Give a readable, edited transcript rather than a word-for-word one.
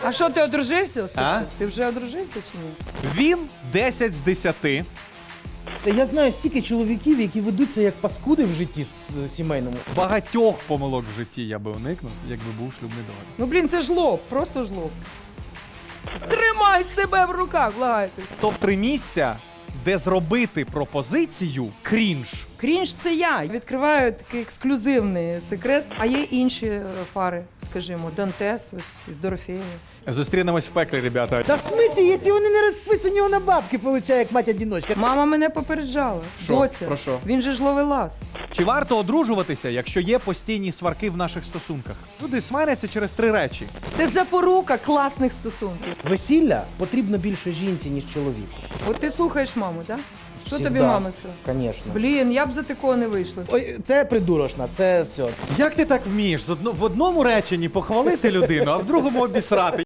А що, ти одружився, Остапчик? А? Ти вже одружився чи ні? Він 10 з 10. Я знаю стільки чоловіків, які ведуться як паскуди в житті сімейному. Багатьох помилок в житті я би уникнув, якби був шлюбний договір. Ну, блін, це жлоб, просто жлоб. Тримай себе в руках, благайте. Топ-3 місця, де зробити пропозицію крінж. Крінж це я. Відкриваю такий ексклюзивний секрет. А є інші пари, скажімо, Дантес ось з Дорофеєю. Зустрінемось в пеклі, ребята. Та в смислі, якщо вони не розписані, вона бабки получає, як мать-одіночка. Мама мене попереджала. Що? Доця, Про що? він же ж ловелас. Чи варто одружуватися, якщо є постійні сварки в наших стосунках? Люди сваряться через 3 речі. Це запорука класних стосунків. Весілля потрібно більше жінці, ніж чоловіку. От ти слухаєш маму, так? Що тобі Всегда. мама сказала? Звісно. Блін, я б за такого не вийшла. Ой, це придурочна, це все. Як ти так вмієш? В одному реченні похвалити людину, а в другому обісрати?